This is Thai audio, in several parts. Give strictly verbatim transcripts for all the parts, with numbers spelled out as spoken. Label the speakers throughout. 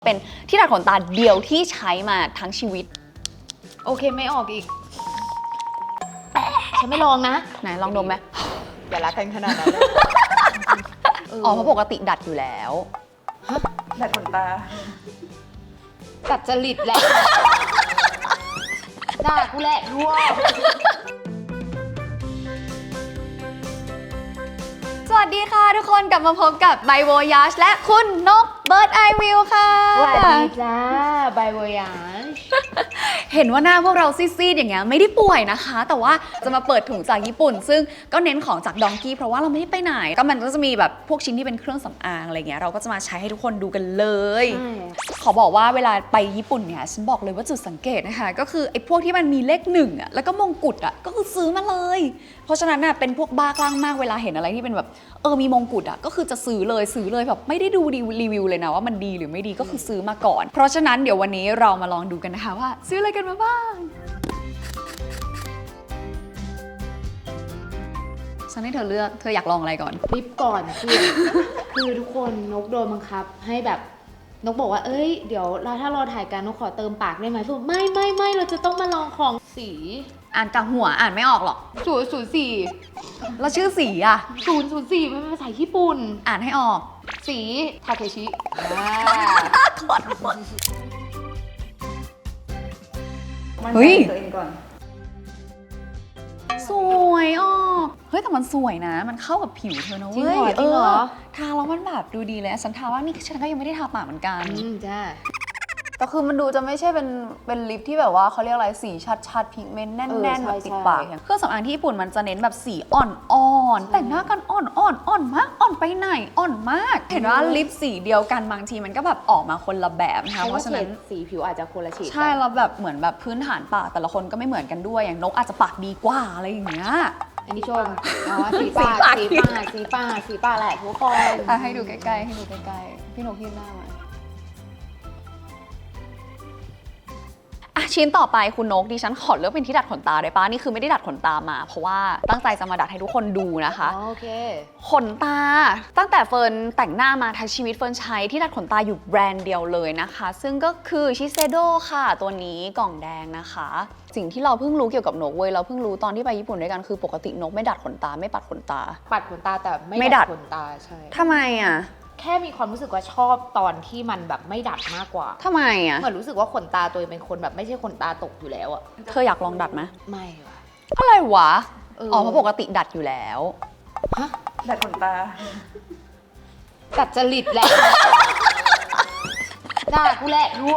Speaker 1: เป็นที่ดัดขนตาเดียวที่ใช้มาทั้งชีวิต
Speaker 2: โอเคไม่ออกอีกฉันไม่ลองนะ
Speaker 1: ไหนลองดมไหม
Speaker 2: อย่ารักกันขนาดนั้นเลย
Speaker 1: อ๋อเพราะปกติดัดอยู่แล้ว
Speaker 2: ฮะ
Speaker 3: ดัดขนตา
Speaker 2: ดัดจริตแหละด่ากูแหละรั่ว
Speaker 1: สวัสดีค่ะทุกคนกลับมาพบกับไบโวยาชและคุณนกเบิร์ดไอวิวค่ะ
Speaker 2: สวัสดีจ้าไบโวยาช
Speaker 1: เห็นว่าหน้าพวกเราซีดๆอย่างเงี้ยไม่ได้ป่วยนะคะแต่ว่าจะมาเปิดถุงจากญี่ปุ่นซึ่งก็เน้นของจากดองกี้เพราะว่าเราไม่ได้ไปไหนก็มันก็จะมีแบบพวกชิ้นที่เป็นเครื่องสำอางอะไรเงี้ยเราก็จะมาใช้ให้ทุกคนดูกันเลยขอบอกว่าเวลาไปญี่ปุ่นเนี่ยฉันบอกเลยว่าจุดสังเกตนะคะก็คือไอ้พวกที่มันมีเลขหนึ่งอ่ะแล้วก็มงกุฎอ่ะก็คือซื้อมาเลยเพราะฉะนั้นน่ะเป็นพวกบ้าคลั่งมากเวลาเห็นอะไรที่เป็นแบบเออมีมงกุฎอ่ะก็คือจะซื้อเลยซื้อเลยแบบไม่ได้ดูรีวิวเลยนะว่ามันดีหรือไม่ดีก็คือซื้อมาก่อนเพราะฉะนั้นเดี๋ยววันนี้เรามาลองดูกันนะคะว่าซื้ออะไรกันมาบ้างฉันให้เธอเลือกเธออยากลองอะไรก่อน
Speaker 2: รีบก่อนคือคือทุกคนนกโดนบังคับให้แบบนกบอกว่าเอ้ยเดี๋ยวเราถ้ารอถ่ายกันนกขอเติมปากได้ไหมพูดไม่ไม่ไม่เราจะต้องมาลองของสี
Speaker 1: อ่านจากหัวอ่านไม่ออกหรอก
Speaker 2: ศูนย์ศูนย์สี่
Speaker 1: แล้วชื่อสีอ่ะ
Speaker 2: ศูนย์ศูนย์สี่มันเป็นภาษาญี่ปุ่น
Speaker 1: อ่านให้ออก
Speaker 2: สีทาเคชิ
Speaker 1: ขอโทษเฮ้ยตัวเองก่อนสวยอ่ะเฮ้ยแต่มันสวยนะมันเข้ากับผิวเธอนะเว้ย
Speaker 2: จริงเหรอ
Speaker 1: ทาแล้วมันแบบดูดีเลยฉันทาว่านี่ฉันก็ยังไม่ได้ทาปากเหมือนกัน
Speaker 2: อืมจ้า
Speaker 1: แต่คือมันดูจะไม่ใช่เป็นเป็นลิปที่แบบว่าเขาเรียกอะไรสีชัดๆพิกเมนต์แน่นๆแบบติดปากเครื่องสำอางที่ญี่ปุ่นมันจะเน้นแบบสีอ่อนๆแต่งหน้ากันอ่อนๆอ่อนมากอ่อนไปไหนอ่อนมากเห็นว่าลิปสีเดียวกันบางทีมันก็แบบออกมาคนละแบบนะคะเพราะฉะนั้น
Speaker 2: สีผิวอาจจะคนละฉีด
Speaker 1: ใช่แล้วแบบเหมือนแบบพื้นฐานปากแต่ละคนก็ไม่เหมือนกันด้วยอย่างนกอาจจะปากดีกว่าอะไรอย่างเงี้ย
Speaker 2: อันนี้ชมเอาว่าสีปากสีปากสีปากสีปากแหละทุกคน
Speaker 1: ให้ดูใกล้ๆให้ดูใกล้ๆพี่นกยื่นหน้ามาชิ้นต่อไปคุณนกดิฉันขอเลือกเป็นที่ดัดขนตาได้ปะนี่คือไม่ได้ดัดขนตามาเพราะว่าตั้งใจจะมาดัดให้ทุกคนดูนะคะ
Speaker 2: โอเค
Speaker 1: ขนตาตั้งแต่เฟิร์นแต่งหน้ามาทั้งชีวิตเฟิร์นใช้ที่ดัดขนตาอยู่แบรนด์เดียวเลยนะคะซึ่งก็คือชิเซโดค่ะตัวนี้กล่องแดงนะคะสิ่งที่เราเพิ่งรู้เกี่ยวกับนกเว้ยเราเพิ่งรู้ตอนที่ไปญี่ปุ่นด้วยกันคือปกตินกไม่ดัดขนตาไม่ปัดขนตา
Speaker 2: ปัดขนตาแต่ไม่ดัดขนตาใช่
Speaker 1: ทำไมอ่ะ
Speaker 2: แค่มีความรู้สึกว่าชอบตอนที่มันแบบไม่ดัดมากกว่า
Speaker 1: ทำไมอ่ะ
Speaker 2: เหมือนรู้สึกว่าขนตาตัวเองเป็นคนแบบไม่ใช่ขนตาตกอยู่แล้วอะ
Speaker 1: เธออยากลองดัดไหม
Speaker 2: ไม่ว่ะ
Speaker 1: อะไรวะอ๋อเพราะปกติดัดอยู่แล้ว
Speaker 3: ฮะดัดขนตา
Speaker 2: ดัดจริตแหละด่ากูแหละรั่ว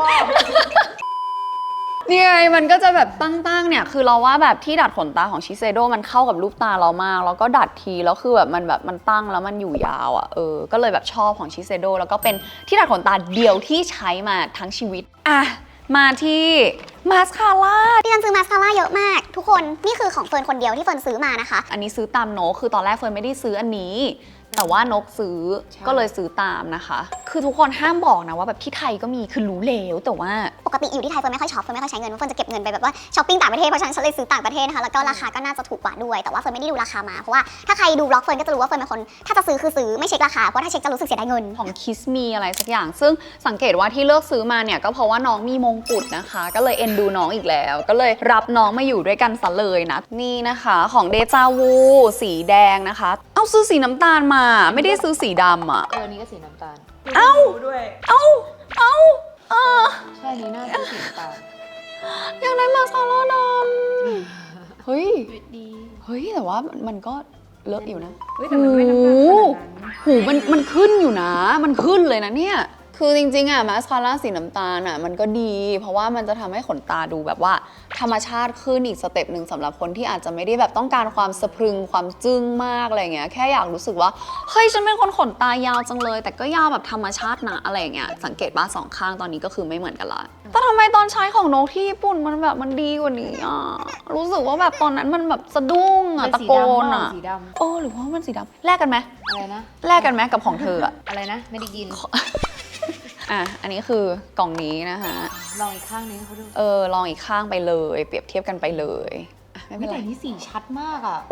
Speaker 1: นี่ไงมันก็จะแบบตั้งๆเนี่ยคือเราว่าแบบที่ดัดขนตาของชิเซโดมันเข้ากับรูปตาเรามากแล้วก็ดัดทีแล้วคือแบบมันแบบมันตั้งแล้วมันอยู่ยาวอ่ะเออก็เลยแบบชอบของชิเซโดแล้วก็เป็นที่ดัดขนตาเดียวที่ใช้มาทั้งชีวิตอ่ะมาที่มาสคาร่า
Speaker 4: ดิฉันซื้อมาสคาร่าเยอะมากทุกคนนี่คือของเฟิร์นคนเดียวที่เฟิร์นซื้อมานะคะ
Speaker 1: อันนี้ซื้อตามโนคือตอนแรกเฟิร์นไม่ได้ซื้ออันนี้แต่ว่านกซื้อก็เลยซื้อตามนะคะคือทุกคนห้ามบอกนะว่าแบบที่ไทยก็มีคือรู้แล้วแต่ว่า
Speaker 4: ปกติอยู่ที่ไทยเฟิร์นไม่ค่อยช็อปเฟิร์นไม่ค่อยใช้เงินเฟิร์นจะเก็บเงินไปแบบว่าช้อปปิ้งต่างประเทศเพราะฉะนั้นฉันเลยซื้อต่างประเทศนะคะแล้วก็ราคาก็น่าจะถูกกว่าด้วยแต่ว่าเฟิร์นไม่ได้ดูราคามาเพราะว่าถ้าใครดูบล็อกเฟิร์นก็จะรู้ว่าเฟิร์นเป็นคนถ้าจะซื้อคือซื้อไม่เช็คราคาเพราะถ้าเช็คจะรู้สึกเสียดายเงิน
Speaker 1: ของคิสมีอะไรสักอย่างซึ่งสังเกตว่าที่เลือกซื้อมาเนี่ยก็เพราะว่าน้องมีมงกุฎนะคะก็เลยเอ็นดูน้องอีกแล้วก็เลยรับน้องมาอยู่ด้วยกันซะเลยนะนี่นะคะของเดจาวูสีแดงนะคะเอาซื้อสีน้ำตาลมาไม่ได้ซื้อสีดำอ่ะ
Speaker 2: เออนี่ก็สีน้ำตาล
Speaker 1: เอ้า
Speaker 3: ด้วย
Speaker 1: เอ้าเอ้าเออ
Speaker 2: ใช่นี่น่าจะสีน้ำตาล
Speaker 1: อยากได้มาซาร่าดำเฮ้ย
Speaker 2: ดี
Speaker 1: เฮ้ยแต่ว่ามันก็เลอะอยู่นะ
Speaker 3: เฮ้ยแต่มันไม่น้ำตาลขนาดนั้น
Speaker 1: หูมันมันขึ้นอยู่นะมันขึ้นเลยนะเนี่ยคือจริงๆอะมาสคาร่าสีน้ำตาลอะมันก็ดีเพราะว่ามันจะทำให้ขนตาดูแบบว่าธรรมชาติขึ้นอีกสเต็ปหนึ่งสำหรับคนที่อาจจะไม่ได้แบบต้องการความสะพรึงความจึ้งมากอะไรเงี้ยแค่อยากรู้สึกว่าเฮ้ยฉันเป็นคนขนตายาวจังเลยแต่ก็ยาวแบบธรรมชาตินะอะไรเงี้ยสังเกตว่าสองข้างตอนนี้ก็คือไม่เหมือนกันละแต่ทำไมตอนใช้ของนกที่ญี่ปุ่นมันแบบมันดีกว่านี้อะรู้สึกว่าแบบตอนนั้นมันแบบสะดุ้งอะตะโกนอะโอ้หรือว่ามันสีดำแลกกันไหม
Speaker 2: อะไรนะ
Speaker 1: แลกกันไหมกับของเธออะ
Speaker 2: อะไรนะไม่ได้ยิน
Speaker 1: อ่ะอันนี้คือกล่องนี้นะคะ
Speaker 2: ลองอีกข้างนึงเขาดู
Speaker 1: เออลองอีกข้างไปเลยเปรียบเทียบกันไปเลย
Speaker 2: ไม่เป็นไรแต่นี่สีชัดมากอ่ะ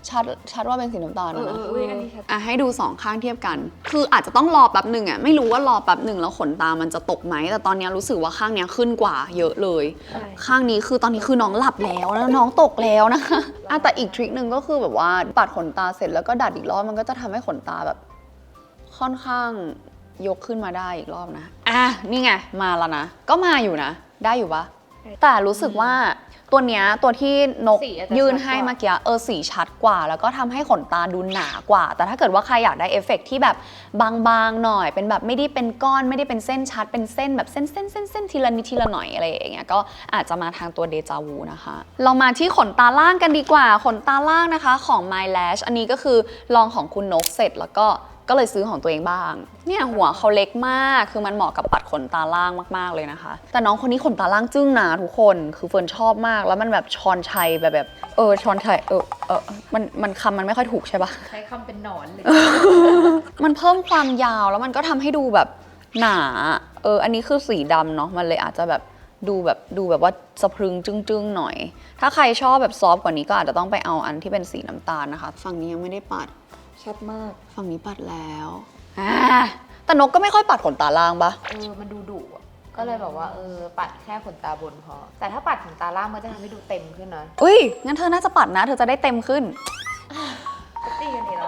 Speaker 1: ชัดชัดว่าเป็นสีน้ำตาล
Speaker 2: เอ
Speaker 1: นะ
Speaker 2: อ
Speaker 1: นะ
Speaker 3: อุ้ยอันนี้ชัด
Speaker 1: อ่ะให้ดูสองข้างเทียบกัน คืออาจจะต้องรอแป๊บหนึ่งอ่ะไม่รู้ว่ารอแป๊บหนึ่งแล้วขนตามันจะตกไหมแต่ตอนนี้รู้สึกว่าข้างเนี้ยขึ้นกว่าเยอะเลย
Speaker 3: ใช่
Speaker 1: ข้างนี้คือตอนนี้คือน้องหลับแล้วแล้วน้องตกแล้วนะคะอ่ะแต่อีกทริคหนึ่งก็คือแบบว่าปัดขนตาเสร็จแล้วก็ดัดอีกรอบมันก็จะทำให้ขนตาแบบค่อนข้างยกขึ้นมาได้อีกรอบนะอ่ะนี่ไงมาแล้วนะก็มาอยู่นะได้อยู่ปะแต่รู้สึกว่าตัวเนี้ยตัวที่นก
Speaker 2: สีอาจจะ
Speaker 1: ยื่น
Speaker 2: ชัดกว่า
Speaker 1: ให้เมื่อกี้เออสีชัดกว่า แล้วก็ทำให้ขนตาดูหนากว่า แต่ถ้าเกิดว่าใครอยากได้เอฟเฟกต์ที่แบบบางๆหน่อย เป็นแบบไม่ได้เป็นก้อนไม่ได้เป็นเส้นชัดเป็นเส้นแบบเส้นเส้นเส้นเส้นทีละนิดทีละหน่อยอะไรอย่างเงี้ยก็อาจจะมาทางตัวเดจาวูนะคะ เรามาที่ขนตาล่างกันดีกว่าขนตาล่างนะคะของ My Lash อันนี้ก็คือลองของคุณนกเสร็จแล้วก็ก็เลยซื้อของตัวเองบ้างเนี่ยหัวเขาเล็กมากคือมันเหมาะกับปัดขนตาล่างมากๆเลยนะคะแต่น้องคนนี้ขนตาล่างจึ้งนะทุกคนคือเฟิร์นชอบมากแล้วมันแบบชอนชัยแบบแบบเออชอนชัยเออเออมันมันคำมันไม่ค่อยถูกใช่ปะ
Speaker 2: ใช้คำเป็นหนอนเลย
Speaker 1: มันเพิ่มความยาวแล้วมันก็ทำให้ดูแบบหนาเอออันนี้คือสีดำเนาะมันเลยอาจจะแบบดูแบบดูแบบว่าสะพรึงจึ้งๆหน่อยถ้าใครชอบแบบซอฟต์กว่านี้ก็อาจจะต้องไปเอาอันที่เป็นสีน้ำตาลนะคะฝั่งนี้ยังไม่ได้ปัด
Speaker 3: ชัดมาก
Speaker 1: ฝั่งนี้ปัดแล้วอ่าแต่นกก็ไม่ค่อยปัดขนตาล่างปะ
Speaker 2: เออ มันดูดุอะก็เลยแบบว่าเออ ปัดแค่ขนตาบนพอ แต่ถ้าปัดขนตาล่างมันจะทำให้ดูเต็มขึ้นนะ
Speaker 1: อุ้ยงั้นเธอน่าจะปัดนะ เธอจะได้เต็มขึ้น
Speaker 3: ก็ตีกันอีกแล้ว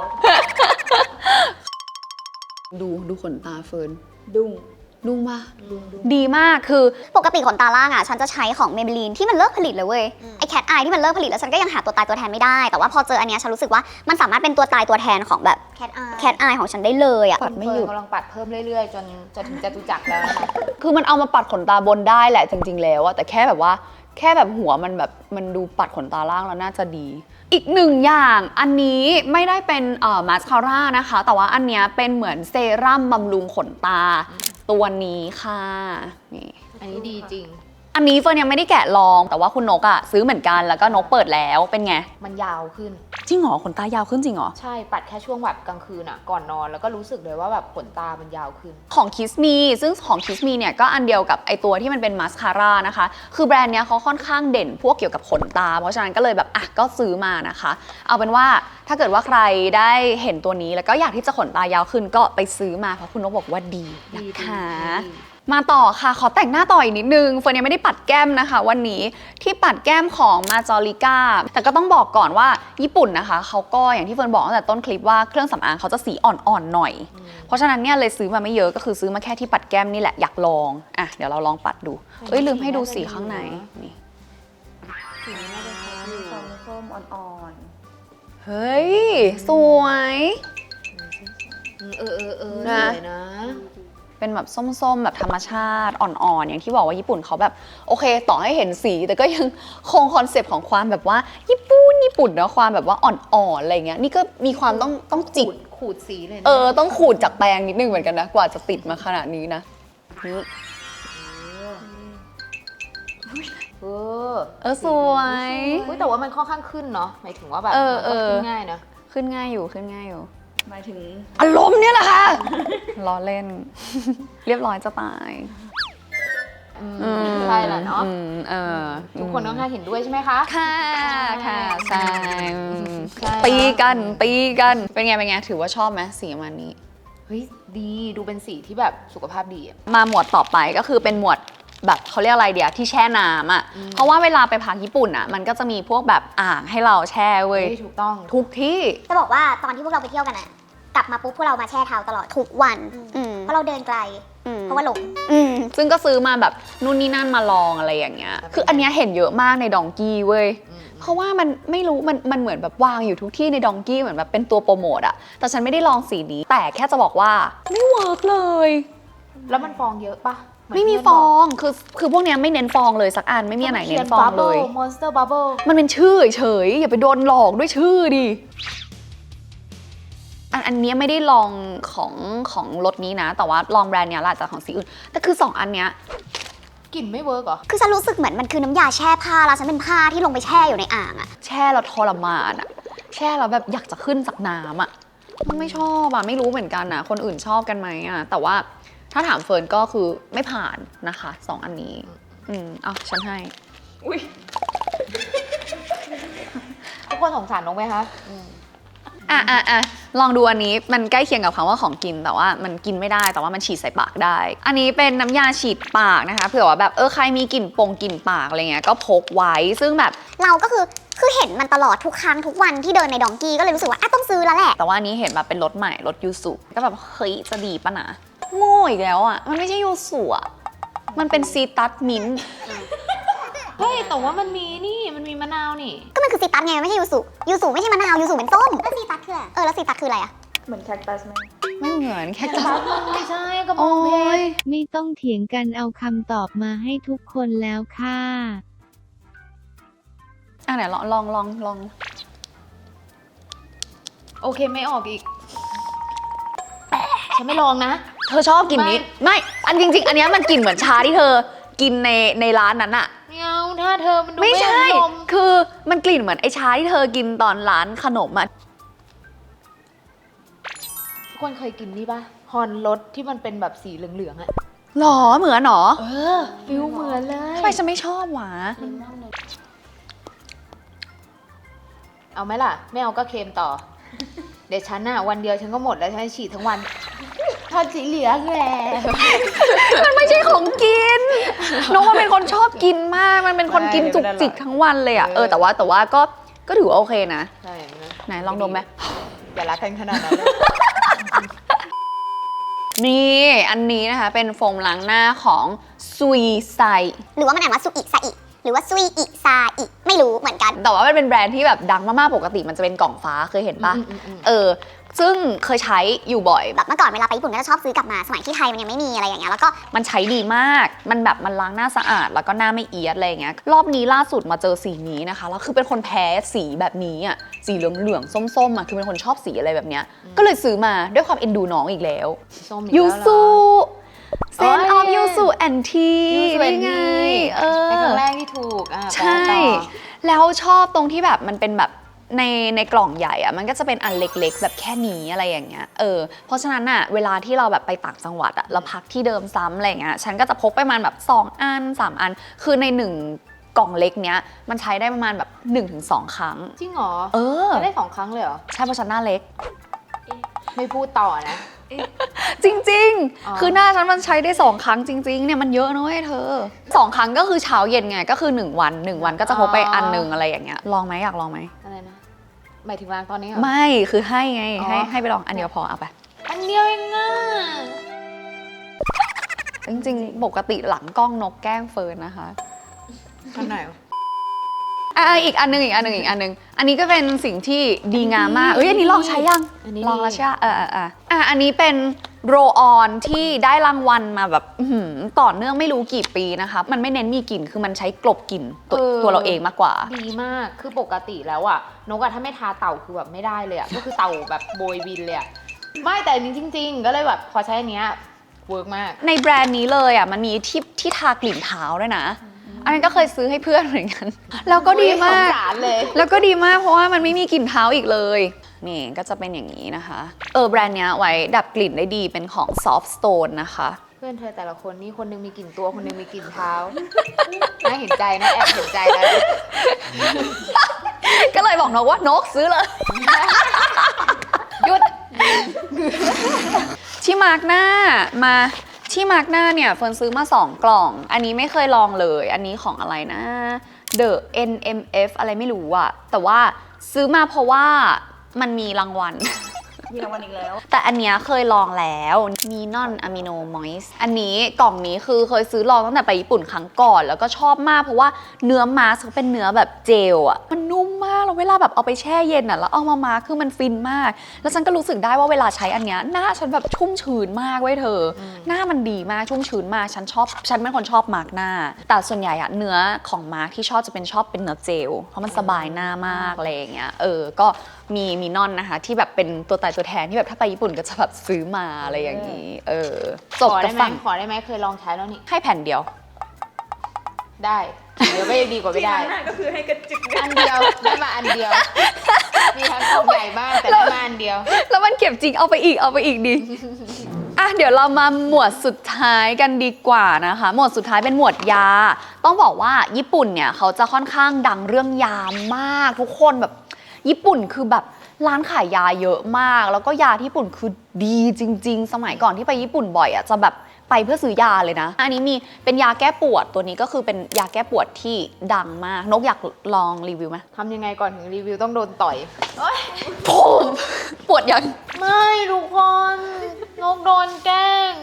Speaker 1: ดูดูขนตาเฟิร์น
Speaker 3: ดุ้ง
Speaker 1: ดุ้งปะดีมากคือ
Speaker 4: ปกติขนตาล่างอ่ะฉันจะใช้ของ Maybelline ที่มันเลิกผลิตเลยเว้ยไอ้ Cat Eye ที่มันเลิกผลิตแล้วฉันก็ยังหาตัวตายตัวแทนไม่ได้แต่ว่าพอเจออันเนี้ยฉันรู้สึกว่ามันสามารถเป็นตัวตายตัวแทนของแบบ Cat Eye Cat Eye ของฉันได้เลยอ่ะ
Speaker 1: ปัดไม่หยุด
Speaker 2: เฟิร์นกำลังปัดเพิ่มเรื่อยๆ จนจนถึงจตุจักรแล้วนะคะ
Speaker 1: คือมันเอามาปัดขนตาบนได้แหละจริงๆแล้วอะแต่แค่แบบว่าแค่แบบหัวมันแบบมันดูปัดขนตาล่างแล้วน่าจะดี อีกหนึ่งอย่างอันนี้ไม่ได้เป็นเอ่อมาสคาร่านะคะ แต่ว่าอันเนี้ยเป็นเหมือนเซรั่มบำรุงขนตาตัวนี้ค่ะนี่
Speaker 2: อันนี้ดีจริง
Speaker 1: อันนี้เฟิร์นยังไม่ได้แกะลองแต่ว่าคุณนกอะซื้อเหมือนกันแล้วก็นกเปิดแล้วเป็นไง
Speaker 2: มันยาวขึ้น
Speaker 1: จริงเหรอขนตายาวขึ้นจริงเหรอ
Speaker 2: ใช่ ปัดแค่ช่วงแบบกลางคืนอ่ะ ก่อนนอน แล้วก็รู้สึกเลยว่าแบบขนตามันยาวขึ้น
Speaker 1: ของ Kiss Me ซึ่งของ Kiss Me เนี่ยก็อันเดียวกับไอตัวที่มันเป็นมาสคาร่านะคะ คือแบรนด์เนี้ยเขาค่อนข้างเด่นพวกเกี่ยวกับขนตา เพราะฉะนั้นก็เลยแบบอ่ะก็ซื้อมานะคะ เอาเป็นว่าถ้าเกิดว่าใครได้เห็นตัวนี้แล้วก็อยากที่จะขนตายาวขึ้นก็ไปซื้อมาเพราะคุณนกบอกว่าดีนะคะ มาต่อค่ะขอแต่งหน้าต่ออีกนิดนึงเฟิร์นยังไม่ได้ปัดแก้มนะคะวันนี้ที่ปัดแก้มของมาจอริก้าแต่ก็ต้องบอกก่อนว่าญี่ปุ่นนะคะเขาก็อย่างที่เฟิร์นบอกตั้งแต่ต้นคลิปว่าเครื่องสำอางเขาจะสีอ่อนๆหน่อย เพราะฉะนั้นเนี่ยเลยซื้อมาไม่เยอะก็คือซื้อมาแค่ที่ปัดแก้มนี่แหละอยากลองอ่ะเดี๋ยวเราลองปัดดูเอ้ยลืมให้ดูสีข้างในนี่
Speaker 2: สีนี้น่าจะใช้อยู่
Speaker 3: ส้มส้มอ่อน
Speaker 1: เฮ้ยสวย
Speaker 2: อืมเออเออเออ
Speaker 1: นะ
Speaker 2: สวยนะ
Speaker 1: เป็นแบบส้มๆ แบบธรรมชาติอ่อนๆ อย่างที่บอกว่าญี่ปุ่นเขาแบบโอเคต่อให้เห็นสี แต่ก็ยังคงคอนเซปต์ของความแบบว่าญี่ปุ่นญี่ปุ่นเนาะความแบบว่าอ่อนๆ อะไรเงี้ยนี่ก็มีความต้องต้องจิก
Speaker 2: ขูดขูดสีเลยนะ
Speaker 1: เออต้องขูดจากแปรงนิดนึงเหมือนกันนะกว่าจะติดมาขนาดนี้นะนี่
Speaker 2: เออ
Speaker 1: เออสวย
Speaker 2: อุ๊ยแต่ว่ามันค่อนข้างขึ้นเนาะหมายถึงว่าแบบ
Speaker 1: เออ
Speaker 2: มันก็
Speaker 1: เออ
Speaker 2: ขึ้นง่ายนะ
Speaker 1: ขึ้นง่ายอยู่ขึ้นง่ายอยู่
Speaker 3: ๆหมายถึง
Speaker 1: อารมณ์เนี่ยแหละค่ะ ล้อเล่น เรียบร้อยจะตาย
Speaker 2: อืมใช่แหละเนาะ
Speaker 1: อืมเออ
Speaker 2: ทุกคนต้องเห็นด้วยใช่ไหมคะ
Speaker 1: ค่ะค่ะใช่อืม
Speaker 2: ใช่
Speaker 1: ตีกันตีกันเป็นไงเป็นไงถือว่าชอบไหมสีประมาณนี้
Speaker 2: เฮ้ยดีดูเป็นสีที่แบบสุขภาพดีอะ
Speaker 1: มาหมวดต่อไปก็คือเป็นหมวดแบบเขาเรียกอะไรเดียวที่แช่น้ำอ่ะเพราะว่าเวลาไปพักญี่ปุ่นอ่ะมันก็จะมีพวกแบบอ่างให้เราแช่เว้ย
Speaker 2: เฮ้ยถูกต้อง
Speaker 1: ทุกที่
Speaker 4: จะบอกว่าตอนที่พวกเราไปเที่ยวกันอะกลับมาปุ๊บพวกเรามาแช่เท้าตลอดทุกวันอืมเพราะเราเดินไกลเพราะว่าหลงอืม
Speaker 1: ซึ่งก็ซื้อมาแบบนู่นนี่นั่นมาลองอะไรอย่างเงี้ยคืออันเนี้ยเห็นเยอะมากในดองกี้เว้ยเพราะว่ามันไม่รู้มันมันเหมือนแบบวางอยู่ทุกที่ในดองกี้เหมือนแบบเป็นตัวโปรโมทอะแต่ฉันไม่ได้ลองสีนี้แต่แค่จะบอกว่าไม่เวิร์กเลย
Speaker 2: แล้วมันฟองเยอะปะเหน
Speaker 1: ไม่มี
Speaker 2: เพื่น
Speaker 1: ฟ
Speaker 2: บ
Speaker 1: อก ง คือ คือพวกเนี้ยไม่เน้นฟองเลยสักอัน ไม่มีอันไหนเน้นฟองเลย
Speaker 2: มอนสเตอร์บับเบิ้ล
Speaker 1: มันเป็นชื่อเฉยๆอย่าไปโดนหลอกด้วยชื่อดิ อันอันเนี้ยไม่ได้ลองของของรถนี้นะ แต่ว่าลองแบรนด์เนี้ยแหละจากของสีอื่น แต่คือสองอันเนี้ย
Speaker 2: กลิ่นไม่เวิร์กเหรอ
Speaker 4: คือฉันรู้สึกเหมือนมันคือน้ำยาแช่ผ้าแล้วฉันเป็นผ้าที่ลงไปแช่อยู่ในอ่างอะ
Speaker 1: แช่แล้วทรมานอะแช่แล้วแบบอยากจะขึ้นจากน้ำอะมันไม่ชอบอะไม่รู้เหมือนกันนะคนอื่นชอบกันไหมอะแต่ว่าถ้าถามเฟิร์นก็คือไม่ผ่านนะคะสองอันนี้ อืมเอาฉันให้
Speaker 3: อุ้ย
Speaker 2: กคนสงสารนกไหมคะ
Speaker 1: อ่ะอ่ะอ่ะลองดูอันนี้มันใกล้เคียงกับคำว่าของกินแต่ว่ามันกินไม่ได้แต่ว่ามันฉีดใส่ปากได้ อันนี้เป็นน้ำยาฉีดปากนะคะเผื่อว่าแบบเออใครมีกลิ่นปงกลิ่นปากอะไรเงี้ยก็พกไว้ซึ่งแบบ
Speaker 4: เราก็คือคือเห็นมันตลอดทุกครั้งทุกวันที่เดินในดองกี้ก็เลยรู้สึกว่าอ่ะต้องซื้อแล้วแหละ
Speaker 1: แต่ว่าอันนี้เห็นแบบเป็นรถใหม่รถยูสุก็แบบเฮ้ยจะดีปะนะโง่อีกแล้วอ่ะมันไม่ใช่ยูสุอ่ะมันเป็นซีตัสมิ้นท์
Speaker 2: เฮ้ยแต่ว่ามันมีนี่มันมีมะนาวนี่
Speaker 4: ก็มันคือซีตัสไงไม่ใช่ยูสุยูสุไม่ใช่มะนาวยูสุเป็นส้มแล้วซีตัสคืออะไรเออแล้วซีตัสคืออะไรอะ
Speaker 3: เหมือนแคคตัสไหม
Speaker 1: ไม่เหมือนแค่ตัส
Speaker 2: ไม่ใช่กระบอ
Speaker 1: โอ้
Speaker 2: งเพช
Speaker 1: ย
Speaker 2: ร
Speaker 5: ไม่ต้องเถียงกันเอาคำตอบมาให้ทุกคนแล้วค่ะ
Speaker 1: อ่ะไหนลองลองลองลอง
Speaker 2: โอเคไม่ออกอีกฉันไม่ลองนะ
Speaker 1: เธอชอบกลิ่นนี้ไม่อันจริง ๆ อันเนี้ยมันกลิ่นเหมือนชาที่เธอกินในในร้านนั้นอะ
Speaker 2: ไม่เอาถ้าเธอมันดู
Speaker 1: ไม่ใช่
Speaker 2: อารมณ์
Speaker 1: คือมันกลิ่นเหมือนไอ้ชาที่เธอกินตอนร้านขนมอะ
Speaker 2: ทุกคนเคยกินนี่ปะฮอนรสที่มันเป็นแบบสีเหลืองๆอะ
Speaker 1: หรอเหมือนหรอ
Speaker 2: เออฟิลเหมือนเลย
Speaker 1: ทำไมฉันไม่ชอบหวะ
Speaker 2: เอาไหมล่ะ ไม่เอาก็เค็มต่อ เดี๋ยวฉันน่ะวันเดียวฉันก็หมดแล้วฉันฉีดทั้งวันทอดสีเหลืองแหละ
Speaker 1: มันไม่ใช่ของกินน้องมันเป็นคนชอบกินมาก มันเป็นคนกินจุกจิกทั้งวันเลยอะเออแต่ว่าแต่ว่าก็ก็ถือว่าโอเคนะ
Speaker 2: ใช่นะ
Speaker 1: ไหนลองดมไหม
Speaker 2: อย่ารักกันขนาดนั้นเลย
Speaker 1: นี่อันนี้นะคะเป็นโฟมล้างหน้าของซุยไซ
Speaker 4: หรือว่ามันอ่านว่าซุอิซาอิหรือว่าซุยอิซาอิไม่รู้เหมือนกัน
Speaker 1: แต่ว่ามันเป็นแบรนด์ที่แบบดังมากๆปกติมันจะเป็นกล่องฟ้าเคยเห็นปะ
Speaker 2: อืมอืมอืม
Speaker 1: เออซึ่งเคยใช้อยู่บ่อย
Speaker 4: แบบเมื่อก่อนเวลาไปญี่ปุ่นก็จะชอบซื้อกลับมาสมัยที่ไทยมันยังไม่มีอะไรอย่างเงี้ยแล้วก็
Speaker 1: มันใช้ดีมาก มันแบบมันล้างหน้าสะอาดแล้วก็หน้าไม่เอียดอะไรอย่างเงี้ย รอบนี้ล่าสุดมาเจอสีนี้นะคะ แล้วคือเป็นคนแพ้สีแบบนี้อ่ะ สีเหลืองๆส้มๆอ่ะ คือเป็นคนชอบสีอะไรแบบเนี้ย ก็เลยซื้อมาด้วยความเอ็นดูน้องอีกแล้ว
Speaker 2: ส้มอีก
Speaker 1: ยู
Speaker 2: แล้วเหรอ
Speaker 1: สุเซนออฟ
Speaker 2: โอ้ย
Speaker 1: ยูสุแอนที
Speaker 2: ยูสุ
Speaker 1: นี่ไง เออ
Speaker 2: เป็นครั้งแรกที่ถูกอ่ะ
Speaker 1: ใช่
Speaker 2: ไปต่อ
Speaker 1: แล้วชอบตรงที่แบบมันเป็นแบบในในกล่องใหญ่อะมันก็จะเป็นอันเล็กๆ แบบแค่นี้อะไรอย่างเงี้ยเออเพราะฉะนั้นอะเวลาที่เราแบบไปต่างจังหวัดอะเราพักที่เดิมซ้ำอะไรอย่างเงี้ยฉันก็จะพกไปประมาณแบบสองอันสามอัน คือในหนึ่งกล่องเล็กเนี้ยมันใช้ได้ประมาณแบบหนึ่งถึงสองครั้ง
Speaker 2: จริงเหรอ
Speaker 1: เออ
Speaker 2: จะได้สองครั้งเลยเหรอ
Speaker 1: ใช่เพราะฉันหน้าเล็ก
Speaker 2: ไม่พูดต่อนะ
Speaker 1: จริง
Speaker 2: อ๋อ
Speaker 1: ๆ คือหน้าฉันมันใช้ได้สองครั้งจริงๆเนี่ยมันเยอะนะเว้ยเธอสองครั้งก็คือเช้าเย็นไงก็คือหนึ่งวันหนึ่งวันก็จะพกไปอันหนึ่งอะไรอย่างเงี้ยลองไหมอยากลองไหม
Speaker 2: อะไรนะหมายถึงล้างตอนนี้เหรอ
Speaker 1: ไม่คือให้ไง
Speaker 2: อ๋อ
Speaker 1: ให้ให้ไปลองอันเดียวพอเอาไป
Speaker 2: อันเดียวเองอ่ะ
Speaker 1: จริงๆ ปกติหลังกล้องนกแกล้งเฟิร์นนะคะ
Speaker 2: อันไหน
Speaker 1: อ่ะอีกอันหนึงอีกอันหนึงอีกอันหนึงอันนี้ก็เป็นสิ่งที่ดีงามมากเอ้ยอันนี้ลองใช้ยัง
Speaker 2: อันนี้
Speaker 1: ลองแล้ว
Speaker 2: ดี
Speaker 1: ใช่ปะเออเออเอออ่ะอันนี้เป็นโรออนที่ได้รางวัลมาแบบอื้อหือต่อเนื่องไม่รู้กี่ปีนะคะมันไม่เน้นมีกลิ่นคือมันใช้กลบกลิ่นตัวตัวเราเองมากกว่า
Speaker 2: ดีมาก คือปกติแล้วอ่ะ นกอะถ้าไม่ทาเต่าคือแบบไม่ได้เลยอ่ะ ก็คือเต่าแบบโบยบินเลยอ่ะ ไม่แต่อันนี้จริง ๆ ก็เลยแบบพอใช้อันเนี้ยเวิร์กมาก
Speaker 1: ในแบรนด์นี้เลยอ่ะมันมีที่ที่ทากลิ่นเท้าด้วยนะ อันนั้นก็เคยซื้อให้เพื่อนเหมือนกัน แล้วก็ดีมาก
Speaker 2: สงสารเลย
Speaker 1: แล้วก็ดีมากเพราะว่ามันไม่มีกลิ่นเท้าอีกเลย นี่ก็จะเป็นอย่างนี้นะคะ เออแบรนด์เนี้ยไว้ดับกลิ่นได้ดีเป็นของ Soft Stone นะคะ
Speaker 2: เพื่อนเธอแต่ละคนนี่คนหนึงมีกลิ่นตัวคนหนึงมีกลิ่นเท้า น่าเห็นใจนะแอบเห็นใจนะ
Speaker 1: ก็เลยบอกนกว่านกซื้อเลย
Speaker 2: หยุด
Speaker 1: ที่มาร์กหน้ามาที่มาร์กหน้าเนี่ยเฟิร์นซื้อมาสองกล่อง อันนี้ไม่เคยลองเลย อันนี้ของอะไรนะ The เอ็น เอ็ม เอฟ อะไรไม่รู้อะแต่ว่าซื้อมาเพราะว่ามันมีรางวัล
Speaker 3: มีรางวัลอีกแล้ว
Speaker 1: แต่อันเนี้ยเคยลองแล้วมีนอนอะมิโนมอยส์อันนี้กล่องนี้คือเคยซื้อลองตั้งแต่ไปญี่ปุ่นครั้งก่อน แล้วก็ชอบมากเพราะว่าเนื้อมาสก์เป็นเนื้อแบบเจลอะมันนุ่มมากแล้วเวลาแบบเอาไปแช่เย็นอะแล้วเอามามาร์คคือมันฟินมาก แล้วฉันก็รู้สึกได้ว่าเวลาใช้อันเนี้ยหน้าฉันแบบชุ่มชื้นมากเว้ยเธออหน้ามันดีมากชุ่มชื้นมากฉันชอบฉันเป็นคนชอบมาร์คหน้า แต่ส่วนใหญ่อะเนื้อของมาร์คที่ชอบจะเป็นชอบเป็นเนื้อเจลเพราะมันสบายหน้ามากอะไรอย่างเงี้ยเออก็มีมีนอนนะคะที่แบบเป็นตัวตายตัวแทนที่แบบถ้าไปญี่ปุ่นก็จะแบบซื้อมาอะไรอย่างนี้ เออจบ
Speaker 2: ขอ
Speaker 1: กั
Speaker 2: ได้
Speaker 1: บ
Speaker 2: ไหม
Speaker 1: ฝั่ง
Speaker 2: ขอได้ไหมเคยลองใช้แล้วนี่
Speaker 1: ให้แผ่นเดียว
Speaker 2: ได้ เดี๋ยวไม่ดีกว่าไม่ได้
Speaker 3: ที่ร้านก็คือให้กระจุก
Speaker 2: อันเดียวได้มาอันเดียว มีทั้งกล่องใหญ่บ้างแต่ได้มาอันเดียว
Speaker 1: แล้วมันเก็บจริงเอาไปอีกเอาไปอีกดิ อ่ะเดี๋ยวเรามาหมวดสุดท้ายกันดีกว่านะคะ หมวดสุดท้ายเป็นหมวดยา ต้องบอกว่าญี่ปุ่นเนี่ยเขาจะค่อนข้างดังเรื่องยามากทุกคนแบบญี่ปุ่นคือแบบร้านขายยาเยอะมากแล้วก็ยาที่ญี่ปุ่นคือดีจริงๆสมัยก่อนที่ไปญี่ปุ่นบ่อยอ่ะจะแบบไปเพื่อซื้อยาเลยนะอันนี้มีเป็นยาแก้ปวดตัวนี้ก็คือเป็นยาแก้ปวดที่ดังมากนกอยากลองรีวิวไหม
Speaker 2: ทำยังไงก่อนถึงรีวิวต้องโดนต่อย
Speaker 1: ผมปวดยัง
Speaker 2: ไม่ทุกคนนกโดนแกล้ง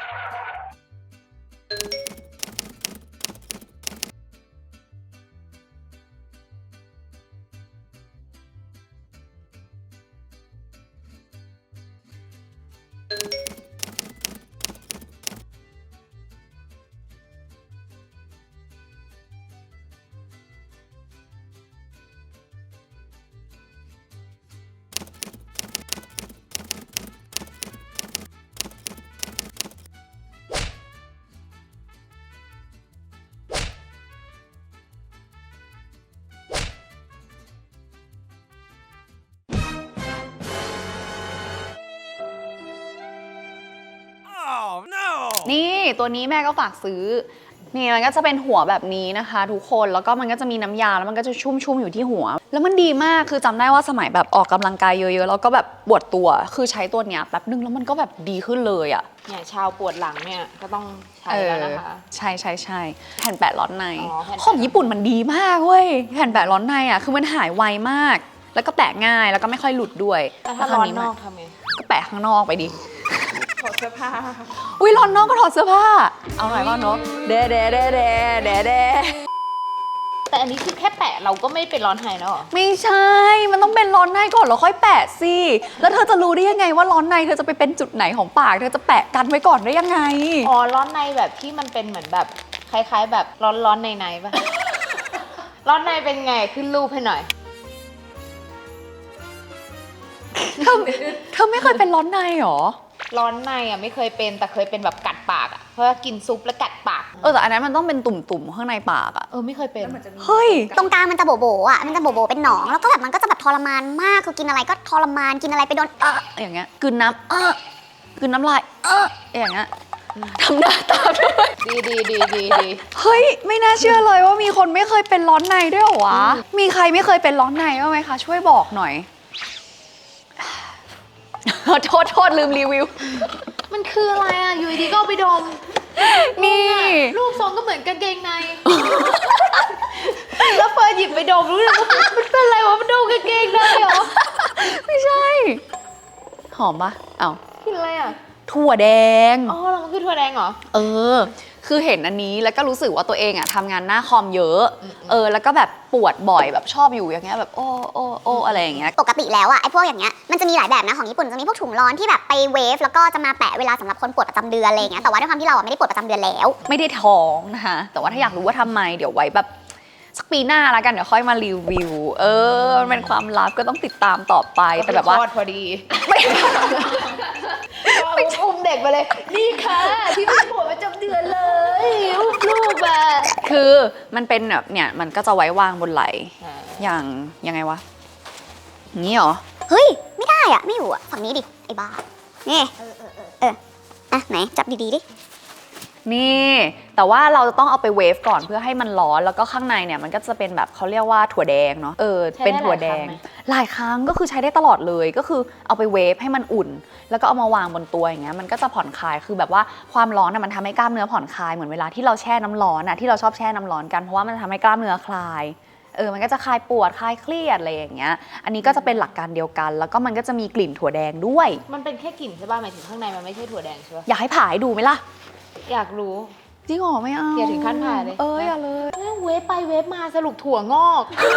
Speaker 1: นี่ตัวนี้แม่ก็ฝากซื้อนี่มันก็จะเป็นหัวแบบนี้นะคะทุกคนแล้วก็มันก็จะมีน้ำยาแล้วมันก็จะชุ่มๆอยู่ที่หัวแล้วมันดีมากคือจำได้ว่าสมัยแบบออกกำลังกายเยอะๆแล้วก็แบบปวดตัวคือใช้ตัวเนี้ยแป๊บนึงแล้วมันก็แบบดีขึ้นเลยอ่ะ
Speaker 2: เนี่ยชาวปวดหลังเนี่ยก็ต้องใช้แล้วนะคะ
Speaker 1: ใช่ใช่ใช่แผ่นแปะร้อนใน
Speaker 2: อ๋อแผ่นแปะ
Speaker 1: ของญี่ปุ่นมันดีมากเว้ยแผ่นแปะร้อนในอ่ะคือมันหายไวมาก แล้วก็แปะง่ายแล้วก็ไม่ค่อยหลุดด้วย
Speaker 2: แต่ถ้าร้อนนอกทำไง
Speaker 1: ก็แปะข้างนอกไปดิ
Speaker 3: ถอดเสื้อผ้า
Speaker 1: อุ้ยร้อนนอกก็ถอดเสื้อผ้าเอาหน่อยว่าเนาะเดเดเดเดเดเด
Speaker 2: แต่อันนี้คือแค่แปะเราก็ไม่เป็นร้อนหายแล้วเหรอ
Speaker 1: ไม่ใช่ มันต้องเป็นร้อนในก่อนแล้วค่อยแปะสิ แล้วเธอจะรู้ได้ยังไงว่าร้อนในเธอจะไปเป็นจุดไหนของปาก เธอจะแปะกันไว้ก่อนได้ยังไง
Speaker 2: อ๋อร้อนในแบบที่มันเป็นเหมือนแบบคล้ายๆ แบบร้อนร้อนในในๆป่ะ ร้อนในเป็นไงขึ้นรูปให้หน่อย
Speaker 1: เธอเธอไม่เคยเป็นร้อนในหรอ
Speaker 2: ร้อนในอ่ะไม่เคยเป็นแต่เคยเป็นแบบกัดปากอ่ะเพราะว่ากินซุปแล้วกัดปาก
Speaker 1: เออแต่อันนั้นมันต้องเป็นตุ่มๆข้างในปากอะ
Speaker 2: เออไม่เคยเป็น
Speaker 1: เฮ้ย
Speaker 4: ตรงกลางมันจะโบโบอ่ะ มันจะโบโบเป็นหนอง แล้วก็แบบมันก็จะแบบทรมานมาก คือกินอะไรก็ทรมาน กินอะไรไปโดนเออ
Speaker 1: อย่างเงี้ยกลืนน้ำเออกลืนน้ำลายเอออย่างเงี้ยทำหน้าตามด้วย
Speaker 2: ดีดีดีดีดี
Speaker 1: เฮ้ยไม่น่าเชื่อเลยว่ามีคนไม่เคยเป็นร้อนในด้วยเหรอวะ มีใครไม่เคยเป็นร้อนในบ้างไหมคะช่วยบอกหน่อย โทษโทษลืมรีวิว
Speaker 2: มันคืออะไรอ่ะอยู่ดีๆก็เอาไปดม
Speaker 1: นี่
Speaker 2: รูปทรงก็เหมือนกางเกงใน แล้วเฟิร์นหยิบไปดมรู้เลยว่ามันเป็นอะไรวะมันดมกางเกงในเหรอ
Speaker 1: ไม่ใช่ หอมปะเอ้า
Speaker 2: กินอะไรอ่ะ
Speaker 1: ถั่วแดง
Speaker 2: อ๋อแล้วมันคือถั่วแดงเหรอ
Speaker 1: เออ คือเห็นอันนี้แล้วก็รู้สึกว่าตัวเองอะทำงานหน้าคอมเยอะ เออ แล้วก็แบบปวดบ่อยแบบชอบอยู่อย่างเงี้ยแบบโอ้โอ้โอ้อะไรอย่างเงี้ย
Speaker 4: ปกติแล้วอะไอ้พวกอย่างเงี้ย มันจะมีหลายแบบนะของญี่ปุ่นจะมีพวกถุงร้อนที่แบบไปเวฟแล้วก็จะมาแปะเวลาสำหรับคนปวดประจำเดือนอะไรอย่างเงี้ย แต่ว่าด้วยความที่เราอะไม่ได้ปวดประจำเดือนแล้ว
Speaker 1: ไม่ได้ท้องนะคะ แต่ว่าถ้าอยากรู้ว่าทำไมเดี๋ยวไว้แบบสักปีหน้าแล้วกันเดี๋ยวค่อยมารีวิว เออ มันเป็นความลับก็ต้องติดตามต่อไป แต่แบบว่า
Speaker 2: คลอดพอดี
Speaker 1: ไม่
Speaker 2: ไปอุ้มเด็กมาเลย นี่ค่ะที่ไม่ปวดประจำเดือนเลยอุ้มลูกอะ
Speaker 1: คือมันเป็นแบบเนี่ยมันก็จะไว้วางบนไหล่อย่างยังไงวะอย่างนี้เหรอ
Speaker 4: เฮ้ย ไม่ได้อะไม่อยู่อะฝั่งนี้ดิ ไอ้บ้า นี่ เออเออเอออ่ะไหนจับดีๆดิ
Speaker 1: นี่แต่ว่าเราจะต้องเอาไปเวฟก่อนเพื่อให้มันร้อนแล้วก็ข้างในเนี่ยมันก็จะเป็นแบบเขาเรียกว่าถั่วแดงเนาะเออเป็นถั่วแดงหลายครั้งก็คือใช้ได้ตลอดเลยก็คือเอาไปเวฟให้มันอุ่น แล้วก็เอามาวางบนตัวอย่างเงี้ยมันก็จะผ่อนคลายคือแบบว่าความร้อนน่ะมันทำให้กล้ามเนื้อผ่อนคลายเหมือนเวลาที่เราแช่น้ำร้อนน่ะที่เราชอบแช่น้ำร้อนกันเพราะว่ามันทำให้กล้ามเนื้อคลายเออมันก็จะคลายปวดคลายเครียดอะไรอย่างเงี้ยอันนี้ก็จะเป็นหลักการเดียวกัน แล้วก็มันก็จะมีกลิ่นถั่วแดงด้วย
Speaker 2: มันเป็นแค่กลิ่นใช่ป่ะหมายถึงข้างในมันไม่ใช่ถั่วแดงใช่ป่ะ
Speaker 1: อยากให้ผ่าให้ดูไหมล่ะ
Speaker 2: อยากรู้
Speaker 1: จริงเหรอไม่เอา
Speaker 2: อย่าถึงขั้นผ่าเลย
Speaker 1: เอออย่าเลย
Speaker 2: แม่งเวฟไปเวฟมาสรุปถั่วงอก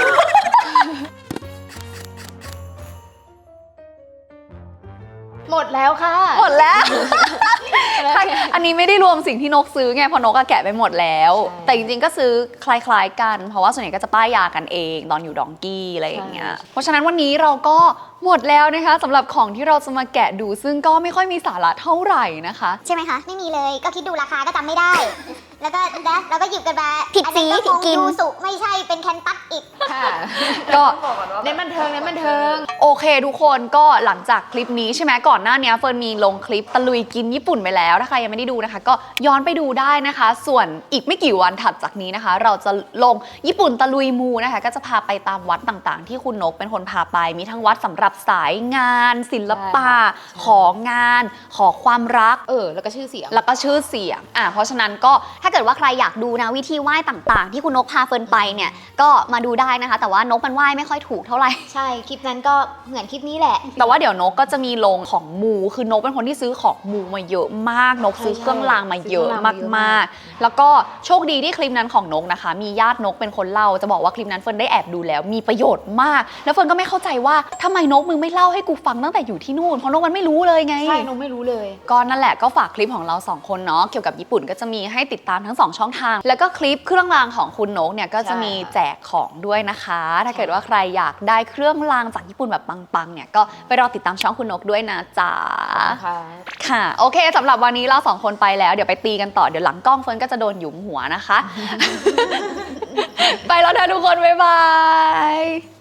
Speaker 2: หมดแล้วค่ะ
Speaker 1: หมดแล้ว อันนี้ไม่ได้รวมสิ่งที่นกซื้อไงเพราะนกอะแกะไปหมดแล้ว
Speaker 2: ใช่
Speaker 1: แต่จริงๆก็ซื้อคล้ายๆกัน เพราะว่าส่วนใหญ่ก็จะป้ายยากันเองตอนอยู่ดองกี้อะไรอย่างเงี้ย
Speaker 2: ใช่
Speaker 1: เพราะฉะนั้นวันนี้เราก็หมดแล้วนะคะสำหรับของที่เราจะมาแกะดูซึ่งก็ไม่ค่อยมีสาระเท่าไหร่นะคะ
Speaker 4: ใช่ไหมคะ ไม่มีเลย ก็คิดดูราคาก็จำไม่ได้แล้วก็นะแล้วก็หยิบกันมาผิดสีผิดกินยูสุไม่ใช่เป็นแคนตัสอีก
Speaker 2: ค่ะ
Speaker 1: ก็
Speaker 3: บอกก่อนว่า
Speaker 2: เน้นบันเทิงเน้นบันเทิง
Speaker 1: โอเคทุกคนก็หลังจากคลิปนี้ใช่ไหมก่อนหน้านี้เฟิร์นมีลงคลิปตะลุยกินญี่ปุ่นไปแล้วถ้าใครยังไม่ได้ดูนะคะ ก็ย้อนไปดูได้นะคะ ส่วนอีกไม่กี่วันถัดจากนี้นะคะ เราจะลงญี่ปุ่นตะลุยมูนะคะ ก็จะพาไปตามวัดต่างๆ ที่คุณนกเป็นคนพาไปมีทั้งวัดสำหรับสายงาน ศิลปะ ของงาน ขอความรัก
Speaker 2: เออ แล้วก็ชื่อเสียง
Speaker 1: แล้วก็ชื่อเสียงอ่ะเพราะฉะนั้นก็ถ้าเกิดว่าใครอยากดูนะวิธีไหว้ต่างๆ ที่คุณนกพาเฟิร์นไปเนี่ยก็มาดูได้นะคะ แต่ว่านกมันไหว้ไม่ค่อยถูกเท่าไหร่
Speaker 2: ใช่ คลิปนั้นก็เหมือนคลิปนี้แหละ
Speaker 1: แต่ว่าเดี๋ยวนกก็จะมีลงของมูคือนกเป็นคนที่ซื้อของมูมาเยอะมากนกซื้อเครื่องรางมาเยอะ
Speaker 2: ซื้อเครื่องรางมาเยอะ
Speaker 1: มาม
Speaker 2: าก ก
Speaker 1: ๆ แล้วก็โชคดีที่คลิปนั้นของนกนะคะ มีญาตินกเป็นคนเล่าจะบอกว่าคลิปนั้นเฟิร์นได้แอบดูแล้วมีประโยชน์มาก แล้วเฟิร์นก็ไม่เข้าใจว่าทำไมนกมึงไม่เล่าให้กูฟังตั้งแต่อยู่ที่นู่นเพราะนกมันไม่รู้เลยไง
Speaker 2: ใช่นกไม่รู้เลย
Speaker 1: ก็นั่นแหละก็ฝากคลิปของเราสองคนเนาะเกี่ยวกับญี่ปุ่นก็จะมีให้ติดตามทั้งสองช่องทาง แล้วก็คลิปเครื่องรางของคุณนกเนี่ยก็จะมีแจกของด้วยนะคะ ถ้าเกิดว่าใครอยากได้เครื่องรางจากญี่ปุ่นแบบปังๆเนี่ยก็ไปรอติดตามช่องคุณนกด้วยนะจ๊ะ
Speaker 2: ค่ะ
Speaker 1: ค่ะโอเคสำหรับวันนี้เราสองคนไปแล้วเดี๋ยวไปตีกันต่อเดี๋ยวหลังกล้องเฟิร์นก็จะโดนหยุมหัวนะคะ ไปแล้วนะทุกคนบ๊ายบาย